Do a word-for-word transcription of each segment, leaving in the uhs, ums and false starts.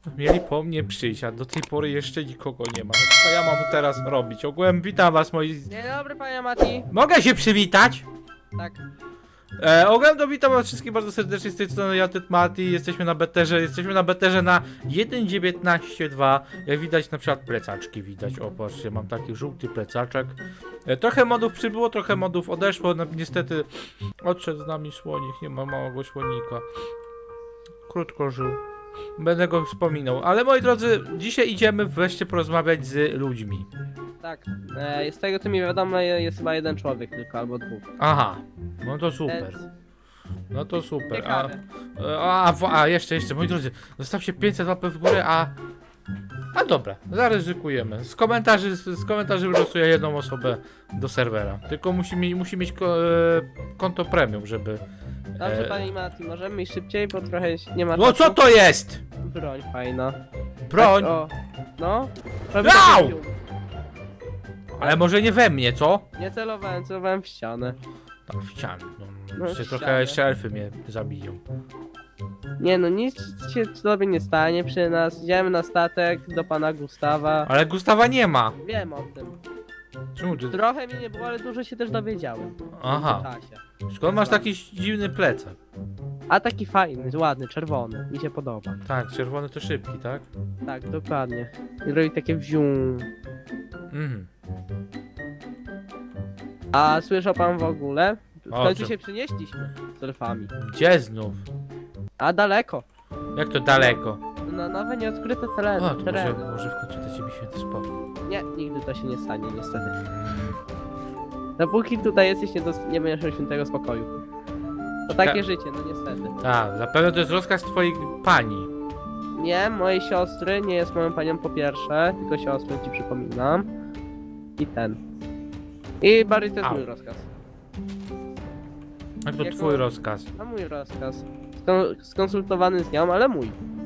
Mieli po mnie przyjść, a do tej pory jeszcze nikogo nie ma. No co ja mam teraz robić? Ogółem witam was moi... Dzień dobry, panie Mati. Mogę się przywitać? Tak. E, ogółem to witam was wszystkich bardzo serdecznie z tej strony ja, Ted Mati. Jesteśmy na beterze, jesteśmy na beterze na jeden dziewiętnaście dwa. Jak widać na przykład plecaczki widać. O patrzcie, mam taki żółty plecaczek. E, trochę modów przybyło, trochę modów odeszło. No, niestety odszedł z nami słonik, nie ma małego słonika. Krótko żył. Będę go wspominał. Ale moi drodzy, dzisiaj idziemy wreszcie porozmawiać z ludźmi. Tak. E, z tego co mi wiadomo jest chyba jeden człowiek tylko, albo dwóch. Aha, no to super. Więc No to super. A, ciekawe. a, a, a jeszcze, jeszcze, moi drodzy, zostawcie pięćset łapek w górę, a... A dobra, zaryzykujemy. Z komentarzy, z, z komentarzy wylosuję jedną osobę do serwera. Tylko musi, mi, musi mieć ko, e, konto premium, żeby... Dobrze, e, panie Mati, możemy iść szybciej, bo trochę nie ma No czasu. co to jest? Broń fajna. Broń? Tak, o. No. Prawie Au! tak jak Ale może nie we mnie, co? nie celowałem, celowałem w ścianę. Tam w ścianę. No, No, jeszcze w trochę ścianę. jeszcze elfy mnie zabiją. Nie no, nic się sobie nie stanie przy nas. Idziemy na statek do pana Gustawa. Ale Gustawa nie ma. Wiem o tym. Czemu ty... Trochę mi nie było, ale dużo się też dowiedziałem. w Aha. międzyczasie. Skąd masz taki dziwny plecak? A taki fajny, ładny, czerwony. Mi się podoba. Tak, czerwony to szybki, tak? Tak, dokładnie. I robi takie wzium. Mhm. A słyszał pan w ogóle? W O końcu czym? się przynieśliśmy z elfami. Gdzie znów? A daleko. Jak to daleko? Na nowe nieodkryte tereny. O, to może, tereny. może w końcu da ciebie święty spokój. Nie, nigdy to się nie stanie, niestety. Dopóki tutaj jesteś, nie, dos- nie będziesz miał świętego spokoju. To takie Tak. życie, no niestety. Tak, zapewne to jest rozkaz twojej pani. Nie, mojej siostry, nie jest moją panią po pierwsze, tylko siostrę ci przypominam. I ten. I Barry to jest Au. mój rozkaz. Jak to Jako- twój rozkaz? A mój rozkaz. Skon- skonsultowany z nią, ale mój.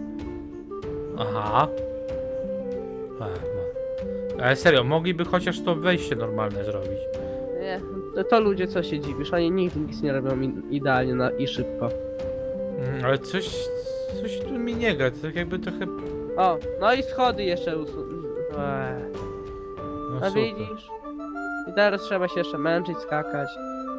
Aha. A, no. Ale serio, mogliby chociaż to wejście normalne zrobić. Nie, to, to ludzie co się dziwisz, oni nigdy nic nie robią i- idealnie na, i szybko. Mm, ale coś, coś tu mi nie gra, to tak jakby trochę... O, no i schody jeszcze usu... Eee, No no super. widzisz? I teraz trzeba się jeszcze męczyć, skakać.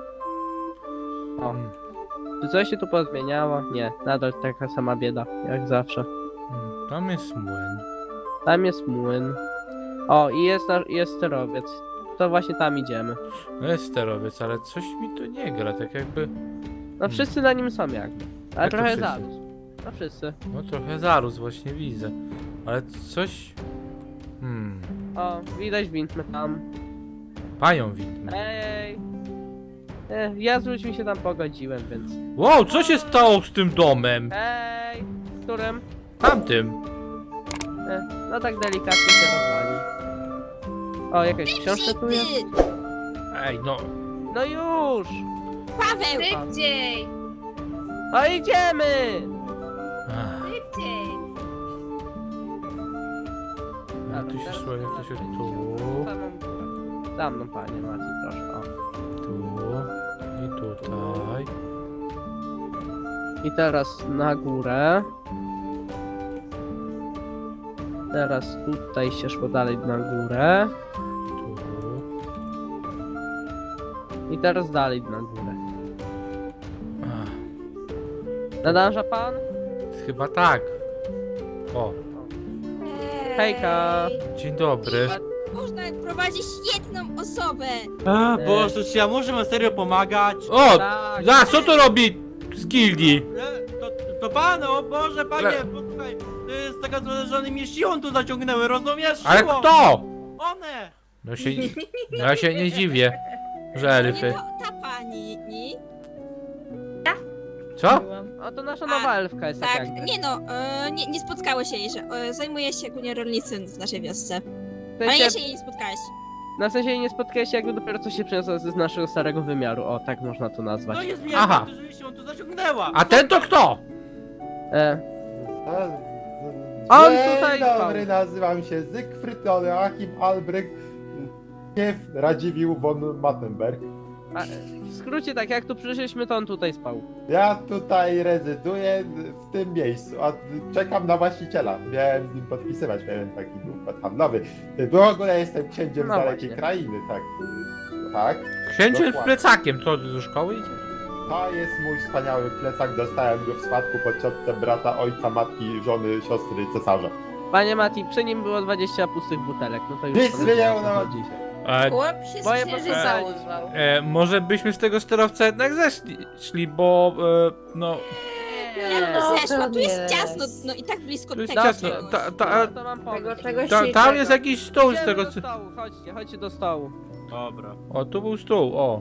O, Mm, czy coś się tu pozmieniało? Nie, nadal taka sama bieda, jak zawsze. mm, Tam jest młyn. Tam jest młyn. O, i jest, nasz- jest sterowiec. To właśnie tam idziemy. No jest sterowiec, ale coś mi tu nie gra, tak jakby... No wszyscy na nim są jakby. Ale Jak to trochę wszyscy? zarósł. No wszyscy. No trochę zarósł, właśnie widzę. Ale coś... Hmm... O, widać windmy tam. Panią widmy. Ej! E, ja z ludźmi się tam pogodziłem, więc... Wow, co się stało z tym domem? Ej! Którym? Tamtym. E, no tak delikatnie się rozwalił. O, jakaś książka tu jest? Ej, no... No już! Paweł! Szybciej! No idziemy! Ach, Szybciej! jak tu się szło, jak to się tu... Samą górę. Za mną, panie Maciej, proszę. O. Tu... I tutaj... I teraz na górę. Teraz tutaj się szło dalej na górę. Tu... I teraz dalej na górę. Ach, Nadąża pan? chyba tak. O, Hejka. dzień dobry. Można prowadzić jedną osobę! A, E. Boże, czy ja muszę wam serio pomagać? O! Tak. Za, co to robi z gildii? E, To, to pan, o Boże, panie, Ale- posłuchaj, to jest taka zła, że one mnie siłą tu zaciągnęły, rozumiesz? Ale Siłą. kto? One! No się... No ja się nie dziwię, że elfy. Nie, to ta pani, nie? Co? O, to nasza nowa elfka jest tak Tak, jakby. nie no, e, nie, nie spotkało się jej, że e, zajmuje się głównie rolnictwem w naszej wiosce. W Ale sensie, ja się jej nie spotkałeś. na sensie nie spotkałeś się jakby dopiero co się przeniosła z naszego starego wymiaru. O, tak można to nazwać. To jest Aha. mnie, że się tu zaciągnęła! A ten to kto? E, On On Dzień tutaj dobry, spał. nazywam się Zygfryd Joachim Albrecht, nie Radziwiłł von Mattenberg. A, w skrócie tak, jak tu przyszliśmy, to on tutaj spał. Ja tutaj rezyduję w tym miejscu, a czekam na właściciela. Miałem z nim podpisywać pewien taki układ handlowy. W ogóle jestem księciem No z dalekiej właśnie. krainy, tak. Tak. Księciem z Dokładnie. plecakiem, co do szkoły idzie? To jest mój wspaniały plecak, dostałem go w spadku po ciotce brata, ojca, matki, żony, siostry, cesarza. Panie Mati, przy nim było dwadzieścia pustych butelek, no to już... Nic powiedzmy, nie o co udało. chodzi. E, Chłop się Moje z księżyca pokochanie. urwał. e, może byśmy z tego sterowca jednak zeszli, szli, bo e, no... Ja bym no, zeszła, to tu jest nie. ciasno, no i tak blisko Tu jest tego ciasno, czegoś. ta- ta- No, to mam pomysł. Tego czegoś Ta, i tam tego. jest jakiś stół z Idziemy tego do co... stołu, chodźcie, chodźcie do stołu. Dobra. O, tu był stół, o.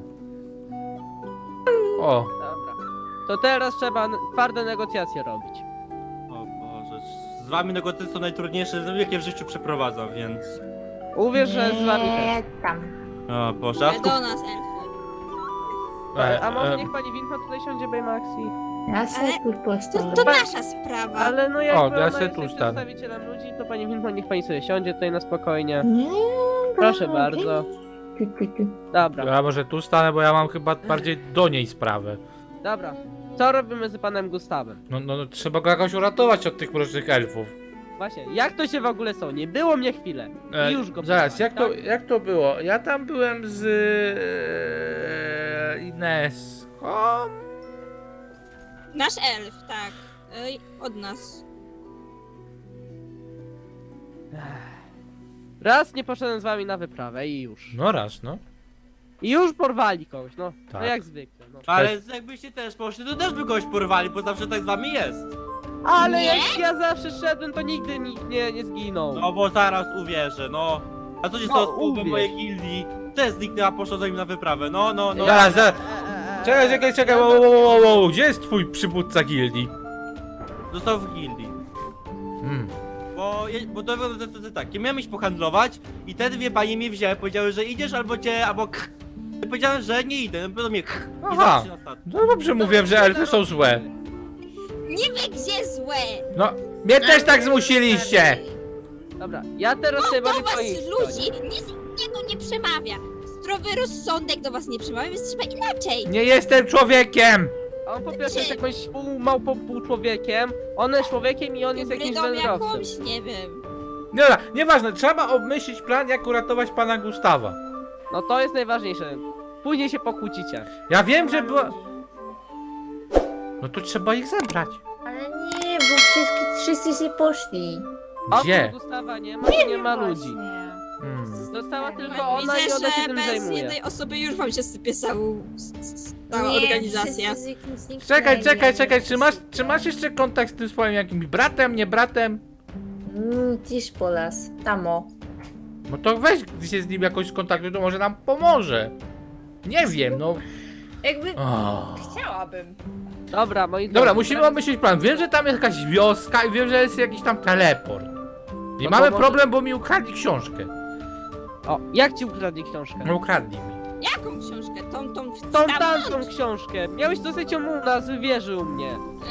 O, Dobra. To teraz trzeba n- twarde negocjacje robić. O Boże, z wami negocjacje są najtrudniejsze, jakie w życiu przeprowadzam, więc... Uwierz, że z wami też. Nie, tam. O Boże, a Ale skup... do nas, elfy. e, A może e, niech pani Winko tutaj siądzie, Baymaxi? Ja sobie Ale- tu To, postanę. to nasza sprawa. Ale no jakby O, ona ja jest se tu jak stanę. przedstawicielem ludzi, to pani Winko niech pani sobie siądzie tutaj na spokojnie. Nie, Proszę no, bardzo. tu, tu, tu. Dobra, ja może tu stanę, bo ja mam chyba bardziej do niej sprawę. dobra. Co robimy z panem Gustawem? No, no, no trzeba go jakoś uratować od tych mrocznych elfów. Właśnie, jak to się w ogóle są? Nie było mnie chwilę. E, I już go Zaraz, poznałem, jak to, tak? jak to było? Ja tam byłem z e, Ineską. Nasz elf, tak. Ej, od nas. Raz nie poszedłem z wami na wyprawę i już. No raz, no. I już porwali kogoś, no. Tak. No jak zwykle, no. Ale jakbyście też poszli, to też by kogoś porwali, bo zawsze tak z wami jest. Ale Nie? jak ja zawsze szedłem, to nigdy nikt nie, nie zginął. No bo zaraz uwierzę, no. A co się No, stało z połową uwierz. mojej gildii? Też zniknęła, poszła za nim na wyprawę, no, no, no. Zaraz, zaraz. Eee, Czekaj, czekaj, czekaj, wow, wow, wow, wow. Gdzie jest twój przywódca gildii? Został w gildii. Hmm. Bo, je- bo to wygląda to, to, to tak, ja miałem iść pohandlować i te dwie panie mnie wzięły, powiedziały, że idziesz albo cię, albo k. Ja powiedziałem, że nie idę, no do mnie k. I Aha. zawsze się na statku. No dobrze mówiłem, że elfy są złe. Nie wie gdzie złe! No, mnie też tak zmusiliście. Dobra, ja teraz sobie Do bardziej was twoich ludzi nic innego nie przemawia. Zdrowy rozsądek do was nie przemawia, więc trzeba inaczej. Nie jestem człowiekiem. On po pierwsze jest jakąś pół małpą, pół człowiekiem, on jest człowiekiem i on jest jakimś Hybrydom wędrowcem. jakąś, nie wiem. Dobra, nieważne, trzeba obmyślić plan, jak uratować pana Gustawa. No to jest najważniejsze. Później się pokłócicie. Ja wiem, że była... No to trzeba ich zebrać. Ale nie, bo wszyscy, wszyscy się poszli. Gdzie? Oprócz Gustawa nie ma, nie, nie ma ludzi. Właśnie. Hmm. Została Widzę, tylko ona i Widzę, ona się że tym bez zajmuje. jednej osoby już wam się sypie całą, s- s- cała Nie, organizacja. wszyscy zniknęli. Czekaj, czekaj, czekaj, czy masz, czy masz jeszcze kontakt z tym swoim jakimś bratem, nie bratem? Mm, Tisz polas, tamo. No to weź się z nim jakoś skontaktuj, to może nam pomoże. Nie wiem, no... Jakby O. chciałabym. Dobra, moi Dobra, drodzy, musimy teraz- obmyślić plan. Wiem, że tam jest jakaś wioska i wiem, że jest jakiś tam teleport. I No to mamy może- problem, bo mi ukradli książkę. O, jak ci ukradli książkę? No ukradli mi. Jaką książkę? Tą, tą, w- Tą stamtąd? tamtą książkę. Miałeś dostać ją u nas, wierzył mnie.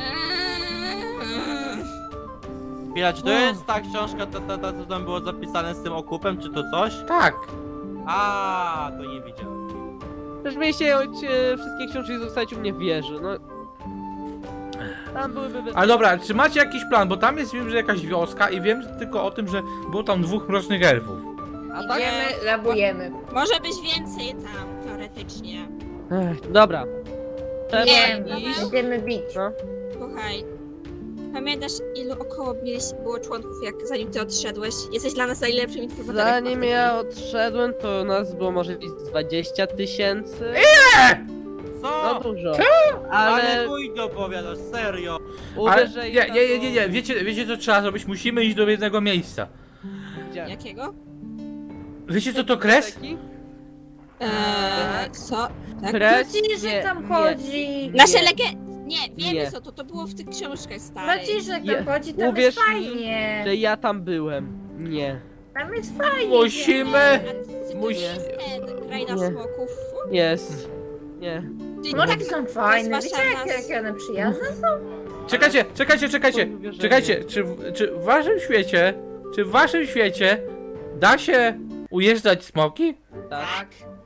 Eee, Chwila, czy to No. jest ta książka, ta, ta, ta, co tam było zapisane z tym okupem, czy to coś? Tak. A, to nie widziałem. Też mieliście e, wszystkie książki zostać u mnie w wieży, no. Tam byłyby bez... Ale dobra, czy macie jakiś plan? Bo tam jest, wiem, że jakaś wioska i wiem tylko o tym, że było tam dwóch mrocznych elfów. A tak? Idziemy, rabujemy. Może być więcej tam, teoretycznie. Ech, dobra. Trzeba Nie, iść. będziemy bić. No. Słuchaj, pamiętasz ilu około mieliś, było członków, jak zanim ty odszedłeś? Jesteś dla nas najlepszym informatorem. Zanim ja odszedłem, to nas było może gdzieś dwadzieścia tysięcy. No Co? dużo. Ale Ale mój to opowiadasz, serio. Ale uwierz, że i nie, tak nie, nie, to- nie, nie. Wiecie, wiecie co trzeba zrobić? Musimy iść do jednego miejsca. Gdzie? Jakiego? Wiecie co to kres? Taki? Eee, co? Tak? Kres? Znaczy, że Nie, tam nie. chodzi. Nasze Nie. legend... Nie, wiemy Nie. co to, to było w tych książkach starych. Znaczy, że Je- tam chodzi, tam uwierz jest mi, fajnie. Że ja tam byłem. Nie. Tam jest fajnie. Musimy... A czy to Musi- nie jest ten, kraina Nie. smoków? Jest. Nie. Ty- Moraki są fajne, To jest wiecie wasza jakie, jakie one przyjazne są? Czekajcie, czekajcie, czekajcie. Uwierzenie. Czekajcie, czy, w- czy w waszym świecie, czy w waszym świecie da się ujeżdżać smoki? Tak.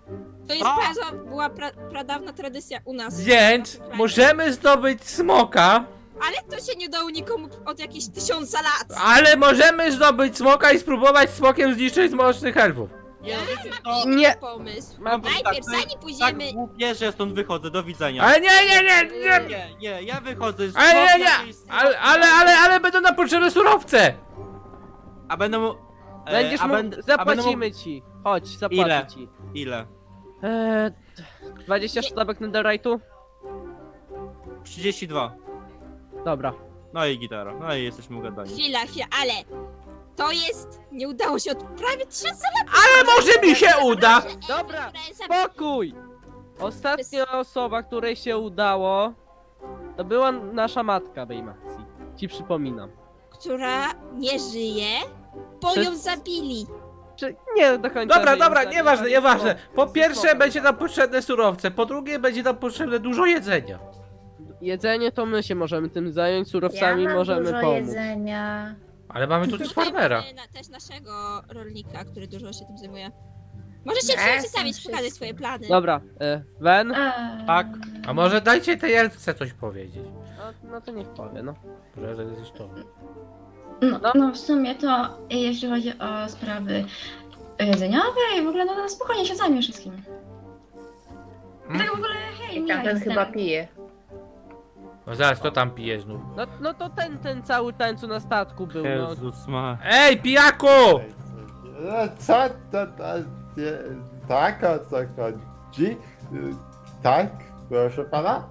To jest A! bardzo, była pra, pradawna tradycja u nas. Więc Na Ukrainie. możemy zdobyć smoka, Ale to się nie dało nikomu od jakichś tysiąca lat. ale możemy zdobyć smoka i spróbować smokiem zniszczyć mrocznych elfów. Nie, no wiecie co? Nie. Nie. Pomysł. Mam Najpierw, tak, zanim Tak pójdziemy... głupie, że ja stąd wychodzę, do widzenia. Ale nie, nie, nie, nie! Nie, nie, ja wychodzę z Ale nie, smok nie! jakiejś- Ale, ale, ale, ale będą nam potrzebne surowce! A będę mu... e, Będziesz a mógł, będę- a będę zapłacimy mógł- ci. Chodź, zapłacę Ile? ci. Ile? Eee, dwadzieścia sztabek netherite'u? trzydzieści dwa. Dobra. No i gitara, no i jesteśmy ugadani. Chwila, chwila, ale... To jest... Nie udało się od prawie tysiąca lat. Ale może mi się uda! Dobra, spokój! Ostatnia osoba, której się udało, to była nasza matka Bejmacji. Ci przypominam. Która nie żyje, bo Przez- ją zabili. Czy nie do końca. Dobra, że ją dobra, zabili, nieważne, ale nieważne. spoko. Po pierwsze Spoko. będzie nam potrzebne surowce, po drugie będzie nam potrzebne dużo jedzenia. Jedzenie to my się możemy tym zająć, Ja surowcami mam możemy dużo pomóc. jedzenia. Ale mamy tu też Tutaj farmera. mamy na, też naszego rolnika, który dużo się tym zajmuje. Możesz się Ja ja, jestem przedstawić, wszystko. pokazać swoje plany. Dobra, e, Wen? Eee, Tak. A może dajcie tej elfce coś powiedzieć. No, no to niech powie, no. Że to jest to. No, no w sumie to jeśli chodzi o sprawy jedzeniowe i w ogóle no, no spokojnie się zajmie wszystkim. I tak w ogóle hej, ja Tamten jestem. chyba pije. No zaraz, kto tam pije znów? No, no to ten, ten cały ten, co na statku był, no. Jezus ma... Ej, pijaku! No, co to, to nie, tak, o co chodzi? Y, Tak, proszę pana?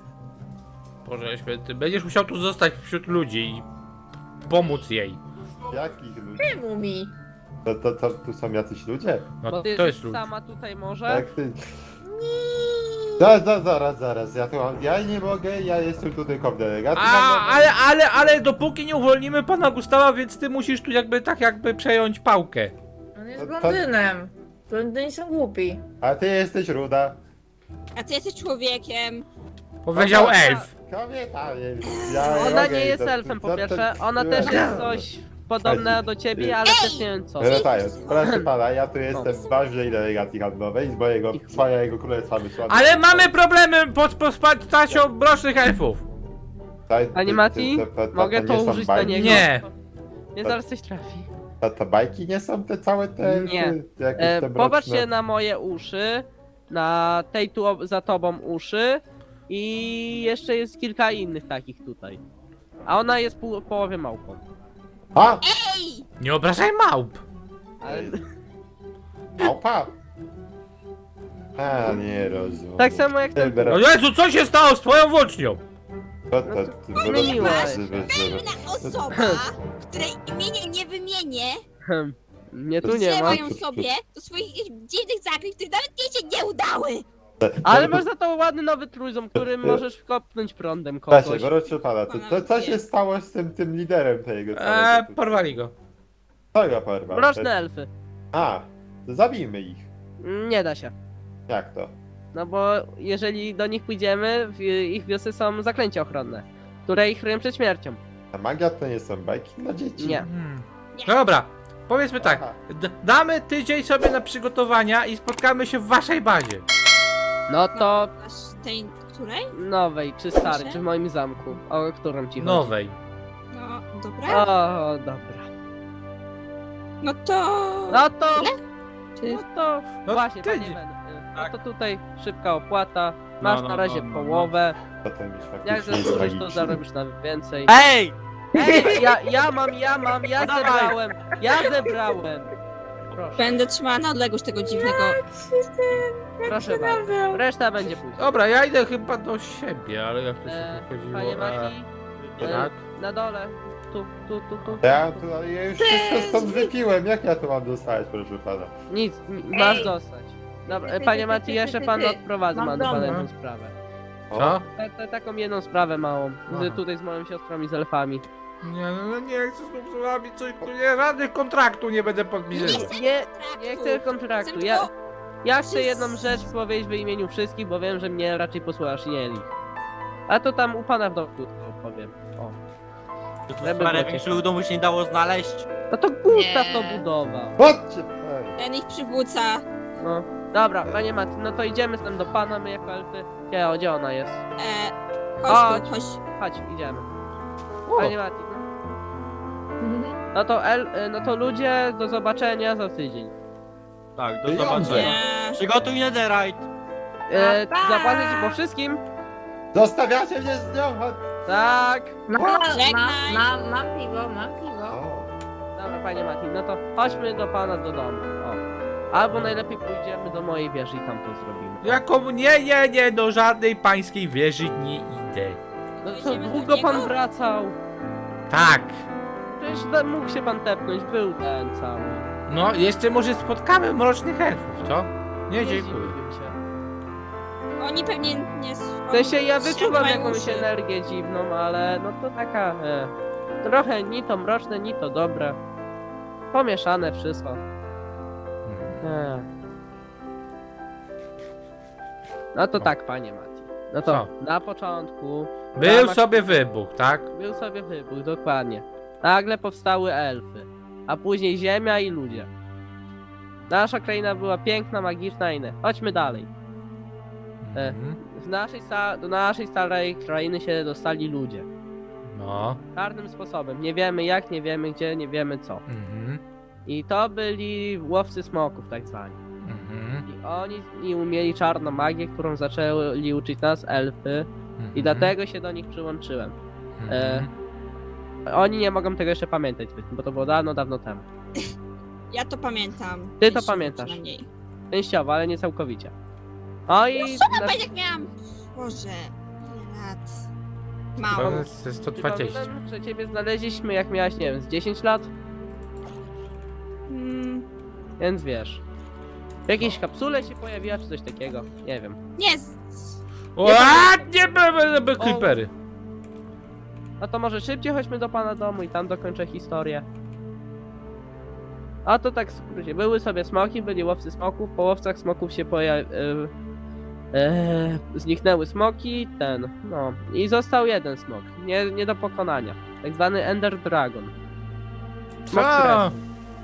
Boże święty, będziesz musiał tu zostać wśród ludzi i pomóc jej. Jakich ludzi? Czemu mi? To, to, to tu są jacyś ludzie? No Bo ty to jesteś jest lud. sama tutaj może? Tak, ty... Zaraz, zaraz, zaraz, zaraz, ja tu mam, ja nie mogę, ja jestem tutaj konfederacji. A, ale, ale, ale dopóki nie uwolnimy pana Gustawa, więc ty musisz tu jakby tak jakby przejąć pałkę. On jest To- to- blondynem. Blondyni są głupi. A ty jesteś ruda. A ty jesteś człowiekiem. Powiedział Kobieta, elf. Kobieta, nie, ja Ona mogę nie i jest to- elfem to- po to- pierwsze, ona też jest coś podobnego do ciebie, ale też nie wiem co. Wracając, proszę pana, ja tu jestem z ważnej delegacji handlowej, z mojego swojego królestwa wysłanego. Ale mamy problemy pod postacią mrocznych elfów. Panie Mati, mogę to nie są użyć na bajki? niego? Nie. Nie, zaraz coś trafi. To, to bajki nie są te całe te... Nie. te, jakieś E, te popatrz mroczne- się na moje uszy, na tej tu ob- za tobą uszy i jeszcze jest kilka innych takich tutaj. A ona jest pół, połowie małpą. A! Ej! Nie obrażaj małp. Ale, Małpa! A, nie rozumiem. tak samo jak ten... Dobra, O Jezu, co się stało z twoją włócznią? to, to, no to, to zmieniło. Pewna osoba, której imienia nie wymienię, Hmm, mnie tu nie ma. wzięła ją sobie do swoich dziwnych zaklęć, które nawet jej się nie udały. Ale masz za to ładny nowy trójząb, którym możesz kopnąć prądem Słuchajcie, kogoś. proszę pana, to, to co się stało z tym, tym liderem tego Eee, całego? porwali go. Co go porwał? Mroczne elfy. A, to zabijmy ich. Nie da się. Jak to? No bo jeżeli do nich pójdziemy, w ich wiosce są zaklęcia ochronne, które ich chronią przed śmiercią. A magia to nie są bajki dla dzieci? Nie. Hmm. Dobra, powiedzmy tak. Aha. D damy tydzień sobie na przygotowania i spotkamy się w waszej bazie. No to Aż tej, której? nowej, czy starej, Proszę? czy w moim zamku, o którą ci chodzi. Nowej. No, dobra. O, dobra. No to... No to, Czy... no to, No właśnie, panie tydzień. Ben, y, no Tak. to tutaj szybka opłata, masz no, na razie no, no, połowę, Potem już jak faktycznie jest zasłużysz to magiczny. zarobisz na więcej. Ej! Ej, ja, ja mam, ja mam, ja No dawaj. zebrałem, ja zebrałem. Proszę, Będę trzymała na odległość tego dziwnego... proszę bardzo, reszta będzie później. Dobra, ja idę chyba do siebie, ale jak to się E, chodziło. panie Mati, E, e, tak? na dole, tu, tu, tu, tu. Ja, tu, ale ja już wszystko stąd wypiłem, jak ja to mam dostać, proszę pana? Nic, n- masz dostać. Dobra, e, panie Mati, jeszcze pan odprowadzę, Mam mam do pana domu. jedną sprawę. Co? Ta, ta, taką jedną sprawę małą, Aha. z, tutaj z moją siostrą i z elfami. Nie, no no nie chcę znów z wami coś, tu nie, żadnych kontraktu nie będę podpisywał. Nie, nie chcę kontraktu, ja, Chcę ja chcę jedną rzecz powiedzieć w imieniu wszystkich, bo wiem, że mnie raczej posłuchasz, nie ich. A to tam u pana w domku to powiem. O. To Żeby stary, było większego domu się nie dało znaleźć. No to Gustaw Nie. to budował. Chodźcie! Ej. Ten ich przywódca. No. Dobra, panie Mati, no to idziemy tam do pana, my jako elfy. Gdzie, o, gdzie ona jest? E, Chodź. chodź tu, chodź. Chodź, idziemy. O, Panie Mati, no. No to el, y, no to ludzie, do zobaczenia za tydzień. Tak, do Pieniądze. zobaczenia. Nie. Przygotuj netherite. E, Pa! zapłacę ci po wszystkim? Zostawiacie mnie z nią, chodź. Tak. Mam, mam, Żegnaj. mam, mam piwo, mam piwo. O, Dobra, panie Mati, no to chodźmy do pana do domu. O. Albo najlepiej pójdziemy do mojej wieży i tam to zrobimy. Jaką? Nie, nie, nie, do żadnej pańskiej wieży nie idę. No co, Idziemy do długo pan niego? wracał? Tak. Przecież da- mógł się pan tepnąć, był ten cały. No, jeszcze może spotkamy mrocznych elfów, co? Nie, Nie dziękuję. zdziwiłbym się. Oni pewnie nie... W sensie ja wyczuwam mają jakąś uszy. energię dziwną, ale no to taka... E, trochę ni to mroczne, ni to dobre. Pomieszane wszystko. E. No to tak, panie Mati. No to Co? na początku Był ramach- sobie wybuch, tak? był sobie wybuch, dokładnie. Nagle powstały elfy, a później ziemia i ludzie. Nasza kraina była piękna, magiczna i inne. Chodźmy dalej. E. Mhm. Z naszej sta- do naszej starej krainy się dostali ludzie. No. Czarnym sposobem. Nie wiemy jak, nie wiemy gdzie, nie wiemy co. Mhm. I to byli łowcy smoków tak zwani. Mhm. I oni i umieli czarną magię, którą zaczęli uczyć nas elfy. Mhm. I dlatego się do nich przyłączyłem. Mhm. Oni nie mogą tego jeszcze pamiętać, bo to było dawno, dawno temu. Ja to pamiętam. Ty to Częściowo pamiętasz. przynajmniej. Częściowo, ale nie całkowicie. No i... No nasz- jak miałam... Boże, ile lat? Mało. To jest sto dwadzieścia. Przypominam, że ciebie znaleźliśmy jak miałaś, nie wiem, z dziesięć lat, Mm, więc wiesz. W jakiejś kapsule się pojawiła, czy coś takiego, nie wiem. nie, z... Ładnie były by creepery. No to może szybciej chodźmy do pana domu i tam dokończę historię. A to tak w skrócie. Były sobie smoki, byli łowcy smoków, po łowcach smoków się pojawiły... E, zniknęły smoki, ten, no. I został jeden smok, nie, nie do pokonania. Tak zwany Ender Dragon. Smok Co? kresu.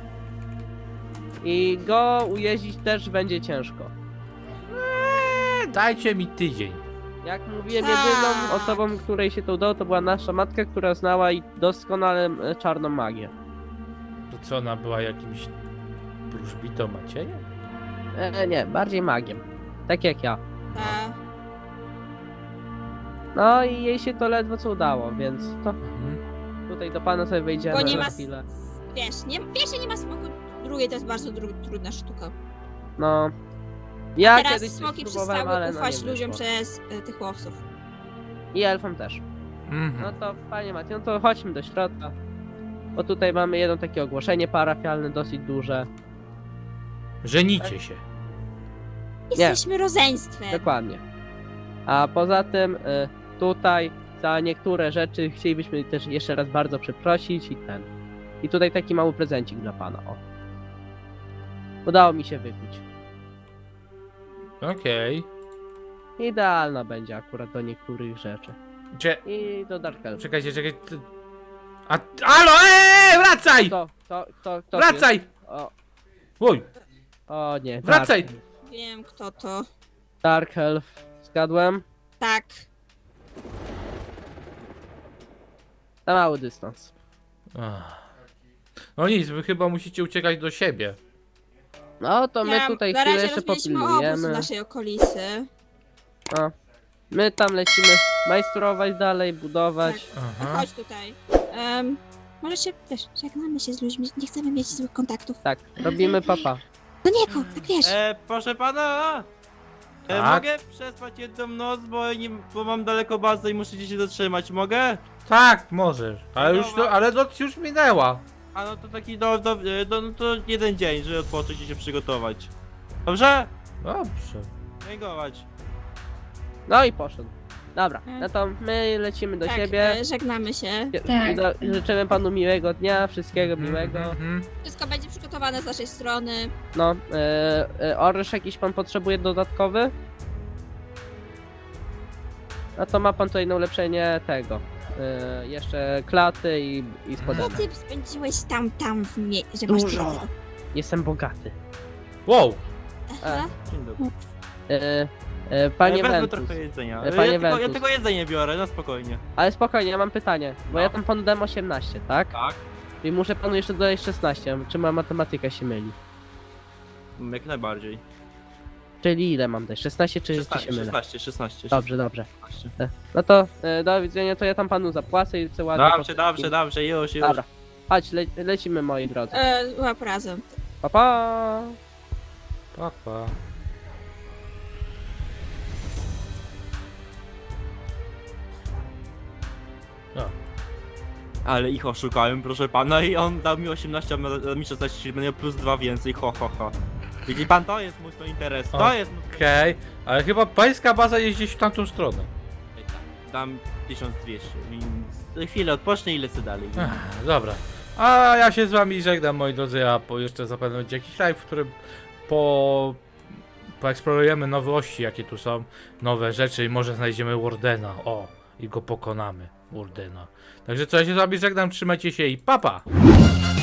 I go ujeździć też będzie ciężko. Eee, Dajcie mi tydzień. Jak mówiłem, Tak. jedyną osobą, której się to udało, to była nasza matka, która znała i doskonale e, czarną magię. To co, ona była jakimś wróżbitą Maciejem? E, nie, bardziej magiem. Tak jak ja. Ta... No i jej się to ledwo co udało, więc to Mhm. tutaj do pana sobie wejdziemy Bo nie za ma... chwilę. Wiesz, nie, pierwsze nie ma smoku, drugie to jest bardzo dru, trudna sztuka. No. Ja Teraz kiedyś coś smoki próbowałem, przestały ale no ufać nie ludziom wyszło. przez y, tych łowców. I elfom też. No Mhm. to panie Mati, no to chodźmy do środka. Bo tutaj mamy jedno takie ogłoszenie parafialne, dosyć duże. Żenicie się. Jesteśmy rodzeństwem. Dokładnie. A poza tym y, tutaj za niektóre rzeczy chcielibyśmy też jeszcze raz bardzo przeprosić i ten. I tutaj taki mały prezencik dla pana, o. Udało mi się wykuć. Okej. Idealna będzie akurat do niektórych rzeczy. Cze- I do Dark Elf. Czekajcie, czekajcie. ty- A, alo, eee, wracaj! Kto, kto, kto, kto Wracaj! jest? O, Oj, o nie. Wracaj! Dark, Wiem kto to. Dark Elf. Zgadłem? Tak. Na mały dystans. Ach. No nic, wy chyba musicie uciekać do siebie. No to my Ja- tutaj na chwilę razie jeszcze rozbiliśmy obóz w popilnujemy. naszej okolicy. No. My tam lecimy majstrować dalej, budować. Aha. Chodź tutaj. Um, może się też żegnamy się z ludźmi, nie chcemy mieć złych kontaktów. Tak, robimy papa. Do niego, tak wiesz. E, proszę pana! E, Tak? mogę przespać jedną noc, bo, nie, bo mam daleko bazę i muszę gdzieś się zatrzymać, mogę? Tak, możesz. Ale już to, ale noc już minęła. A no to taki do, do, e, do no to jeden dzień, żeby odpocząć i się przygotować. Dobrze? Dobrze. Dziękować. No i poszedł. Dobra, Mm. no to my lecimy do tak, siebie. e, żegnamy się. Tak. I do, życzymy panu miłego dnia, wszystkiego Mhm, miłego. mhm. Wszystko będzie przygotowane z naszej strony. No, e, e, oręż jakiś pan potrzebuje dodatkowy? No to ma pan tutaj na ulepszenie tego. E, jeszcze klaty i, i A spodenek. ty spędziłeś tam, tam w mie- że masz Dużo. tyle. Jestem bogaty. Wow. Aha. Dzień dobry. E, e, panie ja wezmę Ventus. trochę jedzenia. E, E, panie ja, tylko, ja Ventus. tylko jedzenie biorę, no spokojnie. Ale spokojnie, ja mam pytanie, bo No. ja tam panu dałem osiemnaście, tak? Tak. I muszę panu jeszcze dodać szesnaście, czy moja matematyka się myli? Mm, Jak najbardziej. Czyli ile mam dać? szesnaście czy, czy się szesnaście, mylę? szesnaście, szesnaście. Dobrze, dobrze. szesnaście. No to e, do widzenia, to ja tam panu zapłacę i chcę ładnie... Dobrze, dobrze, dobrze, już, już. Dobra. Chodź, le lecimy moi drodzy. E, łap razem. Pa, pa. Papa. No. Ale ich oszukałem, proszę pana, i on dał mi osiemnaście, a ma- mi szesnaście, czyli będzie plus dwa więcej, ho, ho, ho. Widzi pan, to jest mój interes, to O, jest mój Okej, ale chyba pańska baza jest gdzieś w tamtą stronę. Dam tysiąc dwieście, więc za chwilę odpocznę i lecę dalej. Ech, dobra. A ja się z wami żegnam, moi drodzy, a po jeszcze zapewne będzie jakiś live, w którym po... poeksplorujemy nowości, jakie tu są, nowe rzeczy i może znajdziemy Wardena, o, i go pokonamy, Wardena. Także co, ja się z wami żegnam, trzymajcie się i papa! Pa.